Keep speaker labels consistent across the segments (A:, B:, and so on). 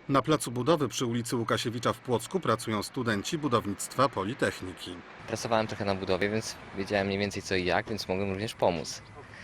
A: Na placu budowy przy ulicy Łukasiewicza w Płocku pracują studenci budownictwa Politechniki.
B: Pracowałem trochę na budowie, więc wiedziałem mniej więcej co i jak, więc mogłem również pomóc.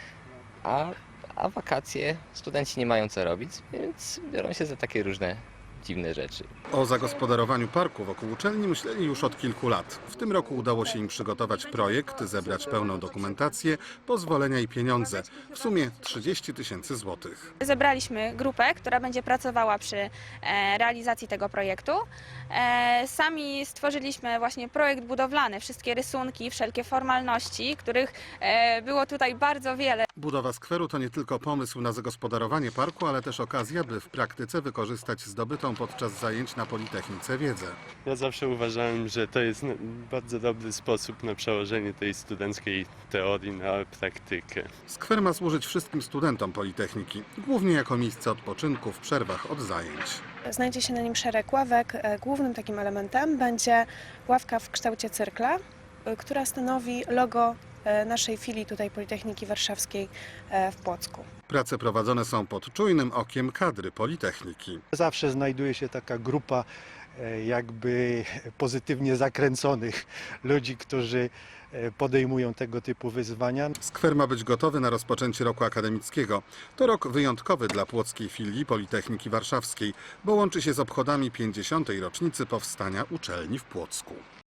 B: A wakacje studenci nie mają co robić, więc biorą się za takie różne dziwne rzeczy.
A: O zagospodarowaniu parku wokół uczelni myśleli już od kilku lat. W tym roku udało się im przygotować projekt, zebrać pełną dokumentację, pozwolenia i pieniądze. W sumie 30 000 złotych.
C: Zebraliśmy grupę, która będzie pracowała przy realizacji tego projektu. Sami stworzyliśmy właśnie projekt budowlany, wszystkie rysunki, wszelkie formalności, których było tutaj bardzo wiele.
A: Budowa skweru to nie tylko pomysł na zagospodarowanie parku, ale też okazja, by w praktyce wykorzystać zdobytą podczas zajęć na Politechnice wiedzę.
D: Ja zawsze uważałem, że to jest bardzo dobry sposób na przełożenie tej studenckiej teorii na praktykę.
A: Skwer ma służyć wszystkim studentom Politechniki, głównie jako miejsce odpoczynku w przerwach od zajęć.
E: Znajdzie się na nim szereg ławek. Głównym takim elementem będzie ławka w kształcie cyrkla, która stanowi logo naszej filii tutaj Politechniki Warszawskiej w Płocku.
A: Prace prowadzone są pod czujnym okiem kadry Politechniki.
F: Zawsze znajduje się taka grupa jakby pozytywnie zakręconych ludzi, którzy podejmują tego typu wyzwania.
A: Skwer ma być gotowy na rozpoczęcie roku akademickiego. To rok wyjątkowy dla płockiej filii Politechniki Warszawskiej, bo łączy się z obchodami 50. rocznicy powstania uczelni w Płocku.